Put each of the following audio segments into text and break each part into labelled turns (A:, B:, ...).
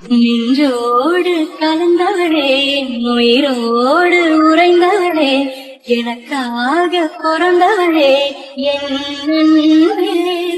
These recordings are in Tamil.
A: நின்றோடு கலந்தவளே, உயிரோடு உறைந்தவளே, எனக்காக பிறந்தவளே, என் அன்பே.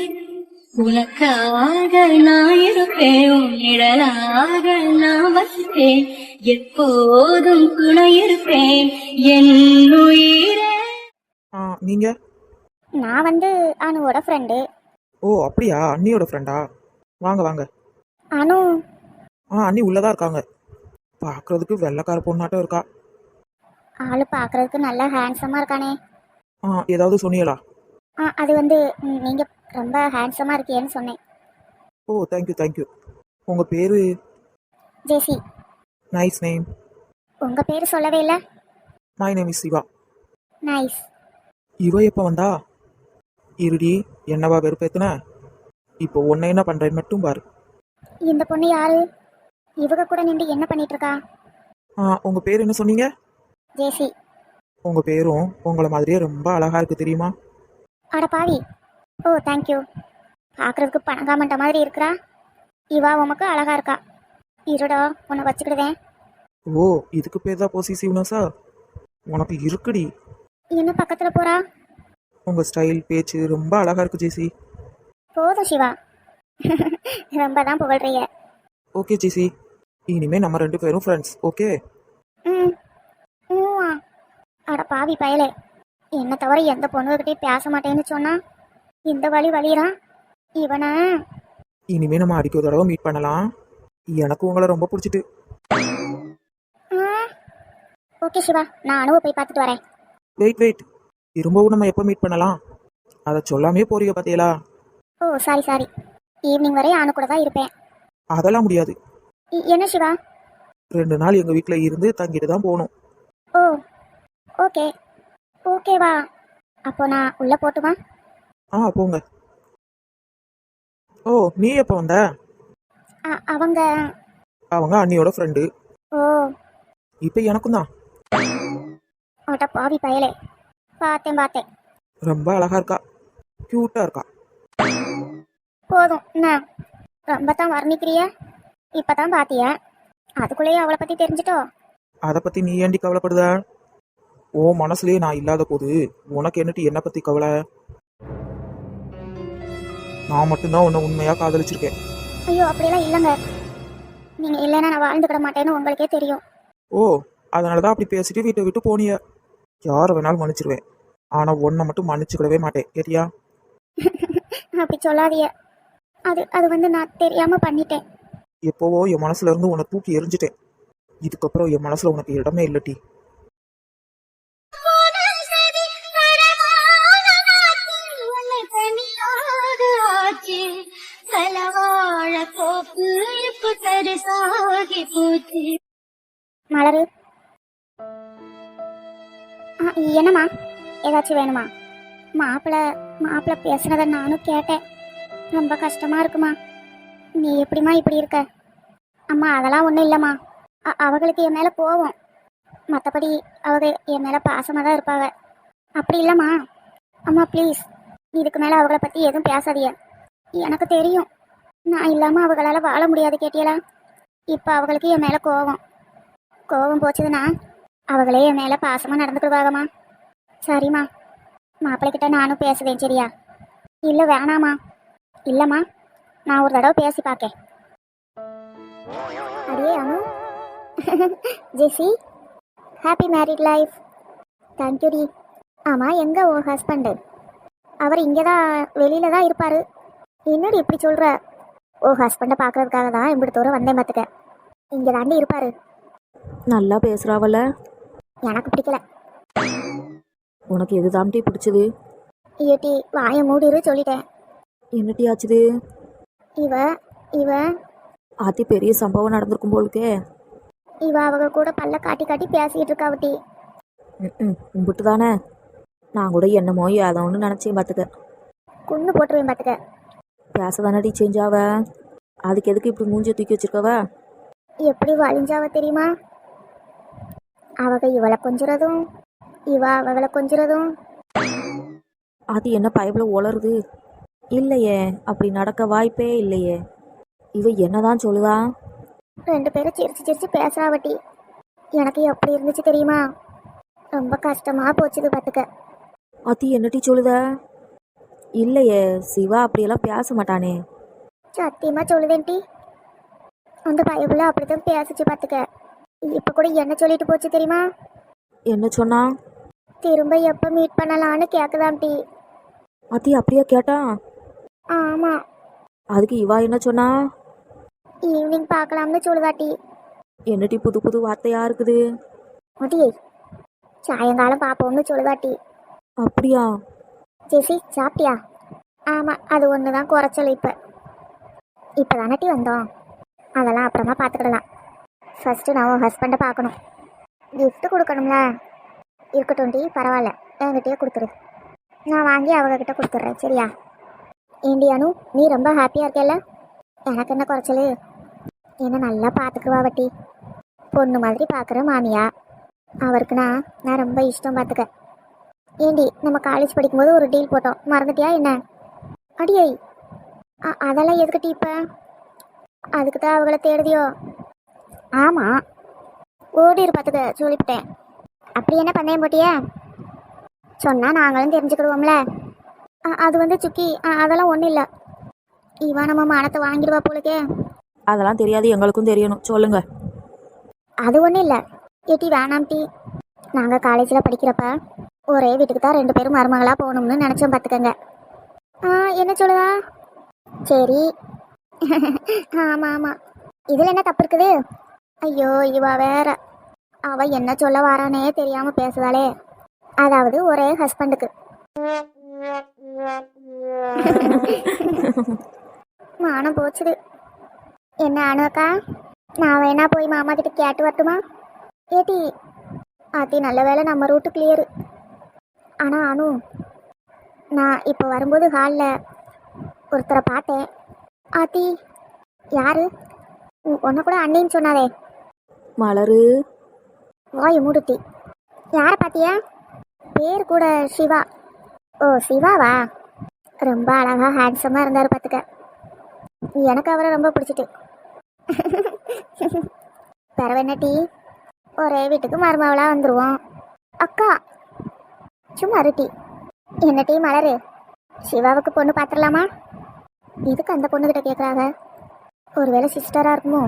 A: உனக்காக நான் இருப்பேன், உன் நிழலாக நான் வசிப்பேன், எப்போதும் துணை இருப்பேன் என் உயிரே.
B: நீங்க?
C: நான் அனுவோட ஃப்ரெண்டு.
B: ஓ அப்படியா, அண்ணியோட ஃப்ரெண்டா? வாங்க வாங்க.
C: அனு?
B: அண்ணி உள்ளதா இருக்காங்க. பார்க்கறதுக்கு வெள்ளைக்கார பொண்ணாட்டம் இருக்கா.
C: ஆளு பார்க்கறதுக்கு நல்லா ஹேண்ட்ஸமா இருக்கானே.
B: ஏதாவது சொன்னீங்களா?
C: அது நீங்க ரொம்ப ஹேண்ட்ஸமா இருக்கேன்னு சொன்னேன்.
B: Oh thank you thank you. உங்க பேரு?
C: ஜெசி.
B: Nice name.
C: உங்க பேரு சொல்லவே இல்லை.
B: My name is Siva.
C: Nice.
B: இவ எப்போ வந்தா? இருடி, என்னவா வெறுப்பேத்துன? இப்போ உன்னை என்ன பண்றேன்னு மட்டும் பாரு.
C: இந்த பொண்ணு யாரு? இவங்க கூட நின்று என்ன பண்ணிட்டு இருக்கா?
B: உங்க பேர் என்ன சொன்னீங்க?
C: ஜெசி.
B: உங்க பேரும் உங்களை மாதிரியே ரொம்ப அழகா இருக்கு தெரியுமா?
C: அட பாவி. Oh thank you. பார்க்கறதுக்கு பணங்காமட்ட மாதிரி இருக்கிறா. இவா உமக்கு அழகா இருக்கா. இருடா உன்னை வச்சுக்கிடுவேன்.
B: ஓ இதுக்கு பேர் தான் பொசிசிவ்னஸா? உனக்கு இருக்குடி.
C: என்ன பக்கத்துல போறா?
B: உங்க ஸ்டைல் பேச்சு ரொம்ப அழகா இருக்கு ஜெசி.
C: போதும் சிவா. ரொம்ப தான் புகழ்றீங்க.
B: ஓகே ஜெசி, இனிமே நம்ம 2 பேரும் ஃப்ரெண்ட்ஸ். ஓகே?
C: ம். அட பாவி பயலே, என்ன தவிர எந்த பொண்ணுகிட்டையும் பேச மாட்டேன்னு சொன்னா இந்த வழிறான் இவனை.
B: இனிமே நம்ம அடிக்க ஒரு தடவை மீட் பண்ணலாம். எனக்கு உங்களை ரொம்ப பிடிச்சிட்டு.
C: ஓகே சிவா, நான் அனுவை போய் பார்த்துட்டு வரேன்.
B: வெயிட், திரும்பவும் நம்ம எப்போ மீட் பண்ணலாம்? அதை சொல்லாமே போறீங்க பாத்தீங்களா?
C: ஓ சாரி, ஈவினிங் வரை அனு கூட தான் இருப்பேன்.
B: அதெல்லாம் முடியாது.
C: என்ன சிவா?
B: 2 நாள் எங்க வீட்டில் இருந்து தங்கிட்டு தான் போகணும்.
C: ஓ ஓகேவா? அப்போ நான் உள்ள போட்டுமா?
B: போங்க. ஓ நீ எப்போ வந்த?
C: அவங்க
B: அண்ணியோட ஃப்ரெண்டு.
C: ஓ
B: இப்போ எனக்கும் தான்.
C: அட பாவி பயலே, பார்த்தேன்.
B: ரொம்ப அழகா இருக்கா, கியூட்டா இருக்கா.
C: போதும் என்ன ரொம்ப தான் வர்ணிக்கிறிய? இப்பதான் பாத்திய, அதுக்குள்ளேயே அவளை பத்தி தெரிஞ்சிட்டோ?
B: அதை பத்தி நீ ஏண்டி கவலைப்படுத? ஓ மனசுலயே நான் இல்லாத போது உனக்கு என்னட்டு என்ன பத்தி கவலை? நான் மட்டும்தான் உன்னை உண்மையா காதலிச்சிருக்கேன்.
C: ஐயோ அப்படியெல்லாம் இல்லைங்க. நீங்க இல்லைன்னா நான் வாழ்ந்துக்கிட மாட்டேன்னு உங்களுக்கே தெரியும்.
B: ஓ அதனாலதான் அப்படி பேசிட்டு வீட்டை விட்டு போனிய. யாரை வேணாலும் மன்னிச்சிருவேன், ஆனா உன்னை மட்டும் மன்னிச்சுக்கிடவே மாட்டேன், கேட்டியா?
C: அப்படி சொல்லாதிய. அது நான் தெரியாம பண்ணிட்டேன்.
B: எப்போவோ என் மனசுல இருந்து உன்னை தூக்கி எரிஞ்சிட்டேன். இதுக்கப்புறம் என் மனசுல உனக்கு இடமே இல்லட்டி.
C: மலரு, என்னம்மா? ஏதாச்சும் வேணுமா? மாப்பிள்ள பேசுனத நானும் கேட்டேன். ரொம்ப கஷ்டமா இருக்குமா. நீ எப்படிமா இப்படி இருக்க? அம்மா அதெல்லாம் ஒன்றும் இல்லைம்மா. அவங்களுக்கு என் மேலே போவோம், மற்றபடி அவங்க என் மேலே பாசமாக தான் இருப்பாங்க. அப்படி இல்லைம்மா. அம்மா ப்ளீஸ், இதுக்கு மேலே அவங்கள பற்றி எதுவும் பேசாதீங்க. எனக்கு தெரியும் நான் இல்லாமல் அவங்களால வாழ முடியாது, கேட்டியலா? இப்போ அவங்களுக்கு என் மேலே கோவம் போச்சுதுன்னா அவங்களே என் மேலே பாசமாக நடந்துக்கிடுவாங்கம்மா. சரிம்மா, மாப்பிள்ளைக்கிட்ட நானும் பேசுவேன், சரியா? இல்லை வேணாம்மா. இல்லைம்மா, நான் ஒரு தடவை பேசி பார்க்கேன். அடியே Anu. Jessie, happy married life. Thank you டி. ஆமாம், எங்கே உன் ஹஸ்பண்டு? அவர் இங்கே தான், வெளியில தான் இருப்பார். என்னடி இப்படி சொல்கிற? ஓ ஹஸ்பண்டை பார்க்கறதுக்காக தான் இப்படி தூரம் வந்தேன் பார்த்துக்க. இங்கே தாண்டி இருப்பார்.
D: நல்லா பேசுகிறாவல்ல?
C: எனக்கு பிடிக்கல.
D: உனக்கு எது தாண்டி பிடிச்சது?
C: ஏட்டி வாயை மூடிரு சொல்லிட்டேன்.
D: என்னட்டி ஆச்சுது?
C: இவ
D: ஆத்தி பெரிய சம்பவம் நடந்திருக்கும் போலுக்கே.
C: அவங்க கூட பல்ல காட்டி பேசிக்கிட்டு இருக்காவட்டி.
D: கும்பிட்டு தானே. நான் கூட என்னமோ ஏதோ ஒன்று நினச்சேன் பார்த்துக்க.
C: குன்னு போட்டுருவேன் பார்த்துக்க.
D: பேச தானடி சேஞ்ச் ஆவ, அதுக்கு எதுக்கு இப்படி மூஞ்சியை தூக்கி வச்சிருக்கவ?
C: எப்படி வலிஞ்சாவ தெரியுமா? இவளை கொஞ்சுறதும் அவளை கொஞ்சுறதும்.
D: அது என்ன பயபில் உளருது? இல்லையே, அப்படி நடக்க வாய்ப்பே இல்லையே. இவ என்னதான் சொல்லுதா?
C: ரெண்டு பேரும் சிரிச்சு சிரிச்சு பேசுறாவட்டி. எனக்கு எப்படி இருந்துச்சு தெரியுமா? ரொம்ப கஷ்டமா போச்சுது பார்த்துக்க.
D: ஆத்தி என்னட்டி சொல்லுத? இல்லையே, சிவா அப்படியெல்லாம் பேச மாட்டானே.
C: சத்தியமா சொல்லுதேன்டி, அந்த பயபுள்ள அப்படித்தான் பேசிச்சு பார்த்துக்க. இப்போ கூட என்ன சொல்லிட்டு போச்சு தெரியுமா?
D: என்ன சொன்னா?
C: திரும்ப எப்போ மீட் பண்ணலான்னு கேட்குதாம்டி.
D: ஆத்தி அப்படியா கேட்டான்?
C: ஆமாம்,
D: அதுக்கு இவா என்ன சொன்னா?
C: ஈவினிங் பார்க்கலாம்னு சொல்லுதாட்டி.
D: என்னட்டி புது புது வார்த்தையா இருக்குது?
C: அடியே, சாயங்காலம் பார்ப்போம்னு சொல்லுதாட்டி.
D: அப்படியா?
C: ஜெசி சாப்பிட்டியா? ஆமாம், அது ஒன்று தான் குறைச்சல். இப்போ தானட்டி வந்தோம், அதெல்லாம் அப்புறமா பார்த்துக்கிடலாம். ஃபஸ்ட்டு நான் உன் ஹஸ்பண்டை பார்க்கணும். gift கொடுக்கணும்ல. இருக்கட்டும் டி, பரவாயில்ல, என்கிட்டயே கொடுத்துரு. நான் வாங்கி அவங்கக்கிட்ட கொடுத்துட்றேன், சரியா? ஏண்டியானு, நீ ரொம்ப ஹாப்பியாக இருக்கல? எனக்கு என்ன குறைச்சல்? என்ன நல்லா பார்த்துக்குவா வட்டி. பொண்ணு மாதிரி பார்க்குற மாமியா அவருக்குண்ணா நான் ரொம்ப இஷ்டம் பார்த்துக்க. ஏண்டி, நம்ம காலேஜ் படிக்கும்போது ஒரு டீல் போட்டோம், மறந்துட்டியா என்ன? அடியை, அதெல்லாம் எதுக்கிட்டி இப்போ? அதுக்கு தான் அவங்கள தேடுதியோ? ஆமாம், ஓடிரு பார்த்துக்க சொல்லிவிட்டேன். அப்படி என்ன பண்ணேன் போட்டியா? சொன்னால் நாங்களும் தெரிஞ்சுக்கிடுவோம்ல. அது சுக்கி, அதெல்லாம் ஒன்றும் இல்லை. இவா நம்ம மானத்தை வாங்கிடுவா போலுக்கே.
D: அதெல்லாம் தெரியாது, எங்களுக்கும் தெரியணும், சொல்லுங்க.
C: அது ஒன்றும் இல்லை ஏட்டி, வேணாம் டீ. நாங்கள் காலேஜில் படிக்கிறப்ப ஒரே வீட்டுக்கு தான் 2 பேரும் மருமகளாக போகணும்னு நினச்சோம் பார்த்துக்கங்க. என்ன சொல்லுதா? சரி. ஆமாம் ஆமாம், இதில் என்ன தப்பு இருக்குது? ஐயோ, இவா வேற, அவள் என்ன சொல்ல வாரானே தெரியாமல் பேசுதாளே. அதாவது ஒரே ஹஸ்பண்டுக்கு. மானம் போச்சுது. என்ன அனுக்கா, நான் வேணா போய் மாமா கிட்ட கேட்டு வரட்டுமா? ஏட்டி, ஆத்தி நல்ல வேலை நம்ம ரூட்டு கிளியரு. ஆனால் அனு, நான் இப்போ வரும்போது ஹாலில் ஒருத்தரை பார்த்தேன். ஆத்தி, யாரு? உன்னை கூட அண்ணின்னு சொன்னாலே.
D: மலரு.
C: வாய் மூடுத்தி. யாரை பார்த்தியா? பேர் கூட சிவா. ஓ, சிவாவா? ரொம்ப அழகாக ஹேண்ட்ஸமாக இருந்தார் பார்த்துக்க. எனக்கு அவரை ரொம்ப பிடிச்சிட்டு. பரவாயில்ல டீ, ஒரே வீட்டுக்கு மருமவளாக வந்துடுவோம். அக்கா சும்மா இருட்டி. என்ன டீ மலரு, சிவாவுக்கு பொண்ணு பார்த்துடலாமா? எதுக்கு அந்த பொண்ணுக்கிட்ட கேட்குறாங்க? ஒருவேளை சிஸ்டராக இருக்குமோ?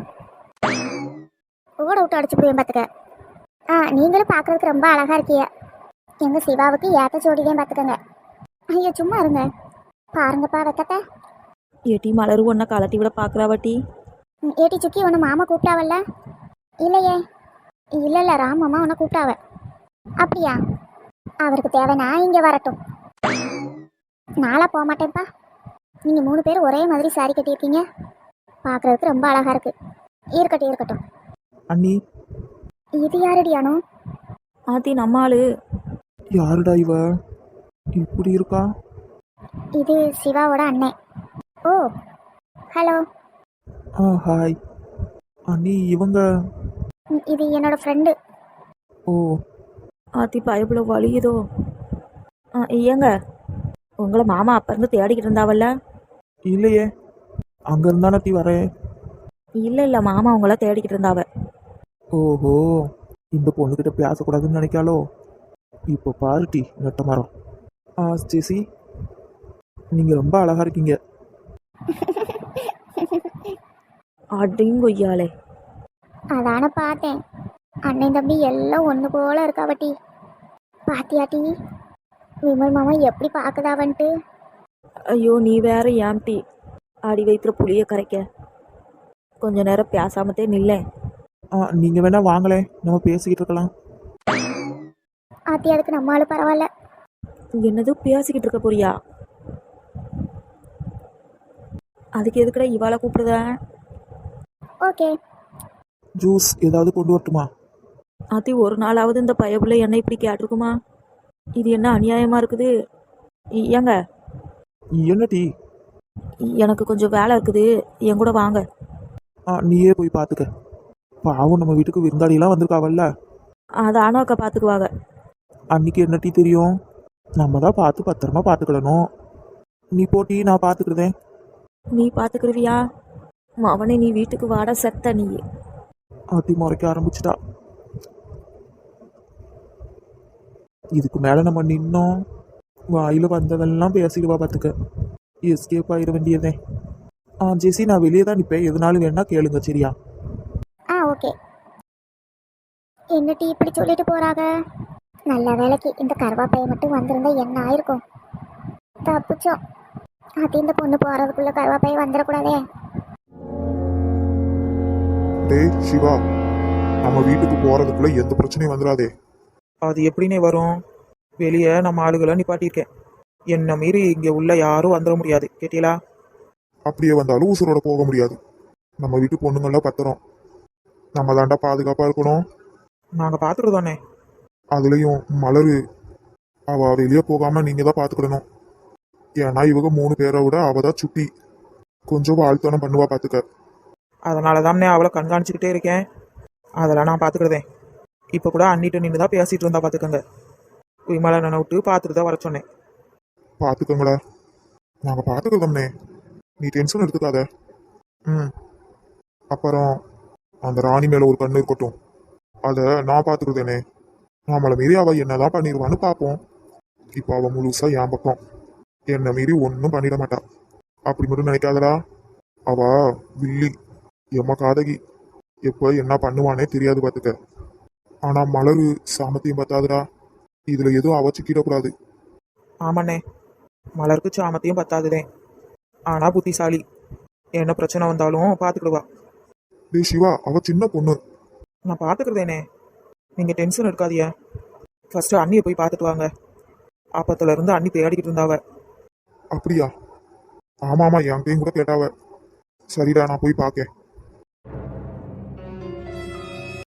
C: ஓட விட்டு அடிச்சு போய் பார்த்துக்க. நீங்களும் பார்க்குறதுக்கு ரொம்ப அழகாக இருக்கிய. எங்கள் சிவாவுக்கு ஏற்ற ஜோடிதான் பார்த்துக்கங்க. ஐயோ சும்மா இருங்க, பாருங்கப்பா வெக்கத்தை.
D: ஏட்டி மலரு ஒன்றை கலட்டி விட பார்க்குறாவட்டி.
C: ஏட்டி சுக்கி, உன்னை மாமா கூப்பிட்டாவல்ல? இல்லையே. இல்லை ராமம்மா உன்னை கூப்பிட்டாவ. அப்படியா? அவருக்கு தேவைன்னா இங்கே வரட்டும். நாளாக போக மாட்டேன்ப்பா. நீங்கள் 3 பேர் ஒரே மாதிரி சாரி கட்டியிருக்கீங்க, பார்க்குறதுக்கு ரொம்ப அழகாக இருக்கு. இருக்கட்டும்.
B: அண்ணி,
C: இது யாருடியானோ?
D: ஆத்தி நம்ம ஆளு.
B: யாருடா இவ இப்படி இருக்கா?
C: இது சிவாவோட அண்ணன். ஓ, ஹலோ.
B: ஹாய் அண்ணி, இவங்க?
C: இது என்னோட ஃப்ரெண்டு.
B: ஓ,
D: ஆத்தி பயப்புல வலியுதோ? ஏங்க, உங்களை மாமா அப்ப இருந்து தேடிக்கிட்டு இருந்தாவல்ல?
B: இல்லையே, அங்க இருந்தானே டீ வரேன்.
D: இல்லை மாமா உங்கள தேடிக்கிட்டு இருந்தாவ.
B: ஓஹோ, இந்த பொண்ணுக்கிட்ட பேசக்கூடாதுன்னு நினைக்காலோ? இப்போ பாரு டீ, நெட்ட மரம். ஜெசி, நீங்க ரொம்ப அழகா இருக்கீங்க.
D: அடிங்கொய்யாலே.
C: அதான பார்த்தேன், அண்ணன் தம்பி எல்லாம் ஒன்று போல இருக்காவட்டி. பாத்தியாட்டி விமல் மாமா எப்படி பார்க்குதாவன்ட்டு?
D: ஐயோ நீ வேற ஏம்டி அடி வயிற்றுல புளிய கரைக்க. கொஞ்ச நேரம் பேசாமத்தே நில்லேன்.
B: நீங்க வேணா வாங்களேன், நம்ம பேசிக்கிட்டு இருக்கலாம்.
C: ஆத்தி, அதுக்கு நம்மளால பரவாயில்ல.
D: என்னது பேசிக்கிட்டு இருக்க போறியா? அதுக்கு எதுக்குடா இவாளை கூப்பிடுத?
C: ஓகே.
B: ஜூஸ் ஏதாவது கொண்டு வரட்டுமா?
D: ஆத்தி, ஒரு நாளாவது இந்த பயப்புள்ள என்ன இப்படி கேட்டிருக்குமா? இது என்ன அநியாயமா இருக்குது? ஏங்க,
B: என்ன டீ?
D: எனக்கு கொஞ்சம் வேலை இருக்குது, என் கூட வாங்க.
B: நீயே போய் பார்த்துக்க. பாவம், நம்ம வீட்டுக்கு விருந்தாளியெல்லாம் வந்திருக்காவல்ல.
D: அதை அண்ணாக்கா பார்த்துக்குவாங்க.
B: அன்னைக்கு என்ன டீ தெரியும், நம்ம தான் பார்த்து பத்திரமா பார்த்துக்கிடணும். நீ போட்டி, நான் பார்த்துக்கிடுதேன்.
D: நீ பார்த்துக்கிருவியா? அவனை நீ வீட்டுக்கு வாட செத்த நீ.
B: ஆட்டி முறைக்க ஆரம்பிச்சிட்டா. இதுக்கு மேலே நம்ம நின்னோம் வாயில் வந்ததெல்லாம் பேசிடுவா பார்த்துக்க. எஸ்கேப் ஆயிட வேண்டியதே. ஜெசி நான் வெளியே தான் நிற்பேன், எதுனாலும் வேணா கேளுங்க சரியா?
C: ஆ ஓகே. என்ன டீ இப்படி சொல்லிட்டு போறாங்க? நல்ல வேலைக்கு இந்த கருவாப்பையை மட்டும் வந்திருந்தா என்ன ஆயிருக்கும். தப்பிச்சோம். அது இந்த பொண்ணு போறதுக்குள்ள கருவாப்பையை வந்துடக்கூடாதே.
E: டேய் சிவா, நம்ம வீட்டுக்கு போறதுக்குள்ள எந்த பிரச்சனையும் வந்துடாதே.
B: அது எப்படின்னே வரும்? வெளியே நம்ம ஆளுகளை நிப்பாட்டியிருக்கேன். என்னை மீறி இங்கே உள்ள யாரும் வந்துட முடியாது, கேட்டீங்களா?
E: அப்படியே வந்தாலும் உசுரோட போக முடியாது. நம்ம வீட்டு பொண்ணுங்கள்லாம் பத்திரம். நம்ம தாண்டா பாதுகாப்பா இருக்கணும்.
B: நாங்கள் பார்த்துருதோண்ணே.
E: அதுலயும் மலரு, அவ வெளியே போகாம நீங்க தான் பாத்துக்கிடணும். ஏன்னா இவங்க 3 பேரை விட அவ தான் சுட்டி. கொஞ்சம் வாழ்த்தனம் பண்ணுவா பாத்துக்க.
B: அதனால தானே அவளை கண்காணிச்சுக்கிட்டே இருக்கேன். அதெல்லாம் நான் பார்த்துக்கிறதேன். இப்போ கூட அண்ணிட்ட நின்று தான் பேசிகிட்டு இருந்தா பார்த்துக்கோங்க. விமலா நான் விட்டு பார்த்துட்டு தான் வர சொன்னேன்.
E: பாத்துக்கோங்கடா, நாங்க பாத்துக்கிறோம்னே, நீ டென்ஷன் எடுத்துக்காத. அப்புறம் அந்த ராணி மேல ஒரு கண்ணு இருக்கட்டும், அதை நான் பாத்துக்கிறதேனே. நம்மளை மீறி அவ என்னதான் பண்ணிடுவான்னு பார்ப்போம். இப்போ அவ முழுசா என் பக்கம். என்னை மீறி ஒன்றும் பண்ணிட மாட்டா. அப்படி மட்டும் நினைக்காதடா. அவ வில்லி, எம்ம காதகி. எப்போ என்ன பண்ணுவானே தெரியாது பார்த்துக்க. ஆனா மலரு சாமத்தையும் பத்தாதுடா. இதுல எதுவும் அவ சிக்கிடக்கூடாது.
B: ஆமாண்ணே, மலருக்கு சாமத்தையும் பத்தாதுதேன். ஆனால் புத்திசாலி. என்ன பிரச்சனை வந்தாலும் பார்த்துக்கிடுவா.
E: டேய் சிவா, அவ சின்ன பொண்ணு.
B: நான் பார்த்துக்கிறதேனே, நீங்கள் டென்ஷன் எடுக்காதீங்க. ஃபஸ்ட்டு அண்ணியை போய் பார்த்துட்டு வாங்க. அப்பத்துலேருந்து அண்ணி தேடிக்கிட்டு இருந்தாவ.
E: அப்படியா? ஆமாமா, என்கிட்டையும் கூட கேட்டாவ. சரிடா, நான் போய் பார்க்கேன்.